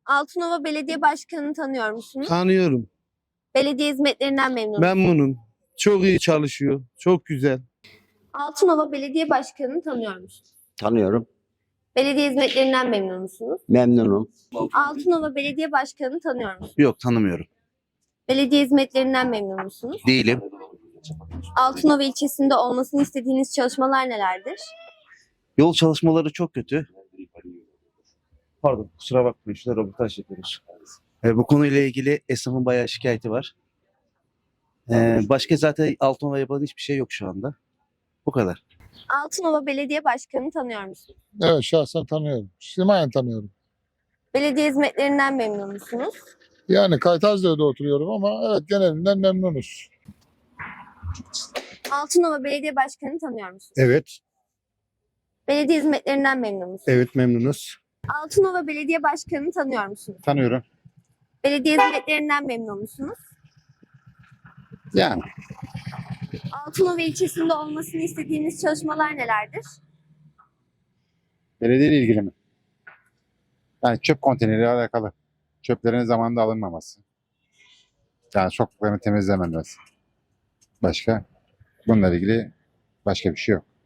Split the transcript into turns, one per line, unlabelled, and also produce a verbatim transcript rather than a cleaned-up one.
Altınova Belediye Başkanı'nı tanıyor musunuz?
Tanıyorum.
Belediye hizmetlerinden memnun musunuz?
Memnunum. Çok iyi çalışıyor. Çok güzel.
Altınova Belediye Başkanı'nı tanıyor musunuz?
Tanıyorum.
Belediye hizmetlerinden memnun musunuz?
Memnunum.
Altınova Belediye Başkanı'nı tanıyor musunuz?
Yok, tanımıyorum.
Belediye hizmetlerinden memnun musunuz?
Değilim.
Altınova ilçesinde olmasını istediğiniz çalışmalar nelerdir?
Yol çalışmaları çok kötü. Pardon, kusura bakmayın. Şurada röportaj yapıyoruz. E, bu konuyla ilgili esnafın bayağı şikayeti var. E, başka zaten Altınova yapılan hiçbir şey yok şu anda. Bu kadar.
Altınova Belediye Başkanı'nı tanıyor musunuz?
Evet, şahsen tanıyorum. Simayen tanıyorum.
Belediye hizmetlerinden memnun musunuz?
Yani Kaytazlı'da oturuyorum ama evet, genelinden memnunuz.
Altınova Belediye Başkanı'nı tanıyor musunuz?
Evet,
Belediye hizmetlerinden memnun musunuz?
evet memnunuz.
Altınova Belediye Başkanı'nı tanıyor musunuz?
Tanıyorum.
Belediye hizmetlerinden memnun musunuz?
Yani
Altınova ilçesinde olmasını istediğiniz çalışmalar nelerdir?
belediyeyle ilgili mi? Yani çöp konteyneriyle alakalı. Çöplerin zamanında alınmaması. Yani sokakların temizlenmemesi. Başka? Bununla ilgili başka bir şey yok.